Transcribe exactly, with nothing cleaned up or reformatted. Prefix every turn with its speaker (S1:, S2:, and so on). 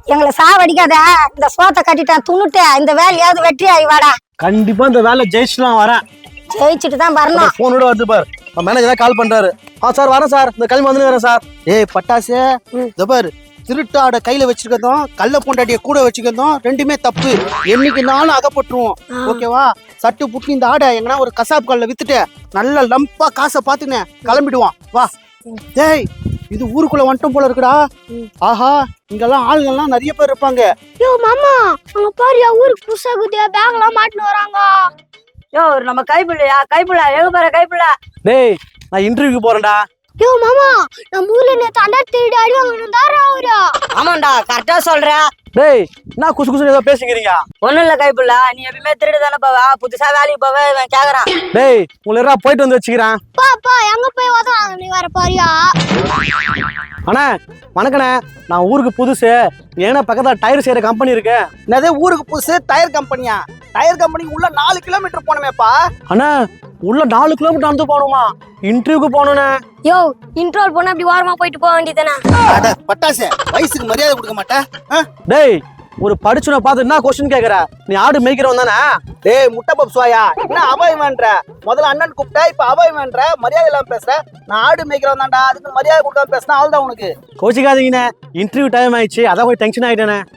S1: எங்களை சாவடிக்காத. இந்த சோத்தை கட்டிட்டான் துணுட்டு இந்த வேலையாவது வெற்றி ஆகி வாடா.
S2: கண்டிப்பா இந்த வேலை ஜெயிச்சுலாம் வரேன்.
S1: ஜெயிச்சுட்டு தான் வரணும்.
S2: போனோட வந்து பாரு மேனேஜரா கால் பண்றாரு. ஆ சார் வரேன் சார், இந்த கிளம்பி வந்து வரேன் சார்.
S3: ஏய் பட்டாசு, இந்த பாரு திருட்டாட கையில வச்சிருக்கதும் கள்ள பொண்டாட்டிய கூட வச்சுக்கிறதும் ரெண்டுமே தப்பு. என்னைக்கு நானும் அகப்பட்டுருவோம். ஓகேவா? சட்டு புட்டு இந்த ஆடை எங்கன்னா ஒரு கசாப் கல்ல வித்துட்டு நல்ல லம்பா காசை பாத்துன்னு கிளம்பிடுவான். வா. டேய் இது ஊருக்குள்ள வந்துட்டோம் போல இருக்குடா. ஆஹா, இங்கெல்லாம் ஆளுங்கெல்லாம் நிறைய பேர் இருப்பாங்க.
S4: யோ மாமா, அங்க பாரு ஊருக்கு புதுசா குதியா பேக் எல்லாம் மாட்டின்னு வராங்க.
S5: யோ நம்ம கைப்புள்ளையா கைப்புள்ள எங்க பாரு கைப்புள்ள.
S2: டேய் நான் இன்டர்வியூக்கு போறேன்டா.
S4: யோ மாமா, நம்ம ஊர்ல நேத்து அண்டா திருடி அடி வாங்கினாரா அவரு?
S5: ஆமாண்டா கரெக்டா சொல்ற.
S2: டேய் நான் குசு குசு ஏதோ பேசிக்கிறீங்க.
S5: ஒண்ணும் இல்ல கைப்புள்ள, நீ எப்பயுமே திருடு தானே போவா, புதுசா வேலைக்கு போவ இவன் கேக்குறான்.
S2: டேய் உங்களை போயிட்டு வந்து வச்சுக்கிறேன்.
S4: பா பா எங்க போய் வந்தாங்க நீ வர பாரியா?
S2: அண்ணா வணக்கண்ணே, நான் ஊருக்கு புதுசு. ஏன்னா பக்கத்துல டயர் செய்யற கம்பெனி இருக்கு.
S3: என்னது ஊருக்கு புதுசு டயர் கம்பெனியா? டயர் கம்பெனிக்கு உள்ள நாலு கிலோமீட்டர் போனமேப்பா.
S2: அண்ணா உள்ள நாலு கிலோமீட்டர் நடந்து போகணுமா? இன்டர்வியூக்கு போகணுண்ணே.
S4: யோ இன்ட்ரோல் போனா அப்படி ஓரமா போயிட்டு போக வேண்டியதானே?
S3: அட பட்டாசு, வயசுக்கு மரியாதை கொடுக்க மாட்டேன்.
S2: டேய் ஒரு படிச்சுன பார்த்து என்ன கொஸ்டின் கேக்குற? நீ ஆடு மேய்க்கிறவன் தானே?
S3: டேய் முட்டை பப்ஸ்வாயா, என்ன அபாயமான்ற? முதல்ல அண்ணன் கூப்பிட்டா இப்ப அபாயமான்ற, மரியாதை இல்லாம பேசுற. நான் ஆடு மேய்க்கிறவன் தான்டா, அதுக்கு மரியாதை கொடுக்காம பேசினா அவள்தான் உனக்கு.
S2: கோச்சிக்காதீங்கண்ணே, இன்டர்வியூ டைம் ஆயிடுச்சு, அதான் போய் டென்ஷன் ஆயிட்டேனே.